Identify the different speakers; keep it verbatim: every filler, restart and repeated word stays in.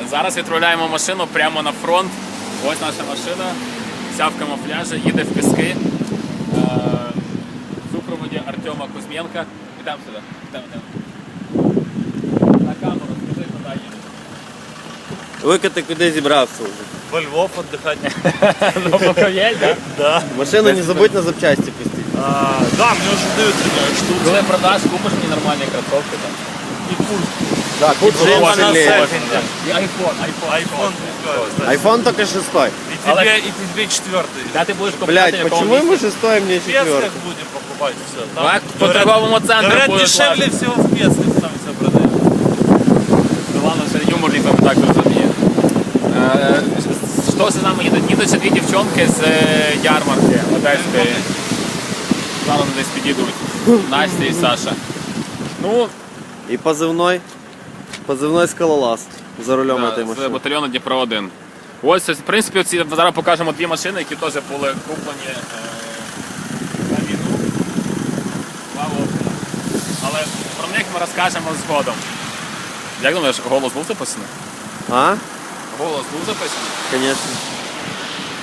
Speaker 1: Зараз відправляємо машину прямо на фронт. Ось наша машина, вся в камуфляжі, їде в Піски. В супроводі Артема Кузьменка. Ідемо сюди. Ідемо, ідемо. На камеру, скажи, куди їдеш.
Speaker 2: Вика, ти куди зібрався вже?
Speaker 3: Во Львов отдыхать.
Speaker 1: Ну, поки є, так?
Speaker 3: Да.
Speaker 2: Машину не забудь на запчасті пустити.
Speaker 3: А, да, мне уже дают штуку.
Speaker 1: Коли продаш, купиш мені нормальні кросовки там.
Speaker 3: И пульт.
Speaker 2: Да, тут
Speaker 3: Джима
Speaker 2: джима
Speaker 3: на
Speaker 2: сильніше.
Speaker 3: серфинге.
Speaker 1: І айфон, айфон.
Speaker 3: Айфон.
Speaker 2: Айфон тільки шестой.
Speaker 3: И тебе, и тебе четвертый.
Speaker 1: Де ти будеш купувати,
Speaker 2: Блять,
Speaker 1: в якому
Speaker 2: почему ему
Speaker 1: місці?
Speaker 2: шестой, а мне
Speaker 3: В
Speaker 2: четвертый?
Speaker 3: Песках будем покупать все.
Speaker 1: Так, по торговому центру
Speaker 3: Говорят,
Speaker 1: будеш
Speaker 3: дешевле
Speaker 1: лазити.
Speaker 3: всего в Песках там все продают.
Speaker 1: Ну ладно, вже юмор ніхто не так розуміє. Е, Що з нами їдуть? Їдуть ще дві дівчонки з е, ярмарки одеської. Зараз вони десь підійдуть. Настя і Саша. Ну,
Speaker 2: И позывной. Позывной скалолаз. За рулем
Speaker 1: да,
Speaker 2: этой
Speaker 1: з
Speaker 2: машины.
Speaker 1: батальйону Дніпро один. Ось, в принципі, ці, зараз покажемо дві машини, які теж були куплені е, на війну. Слава Україні. Але про них ми розкажемо згодом. Як думаєш, голос був записаний?
Speaker 2: А?
Speaker 1: Голос був записаний?
Speaker 2: Конечно.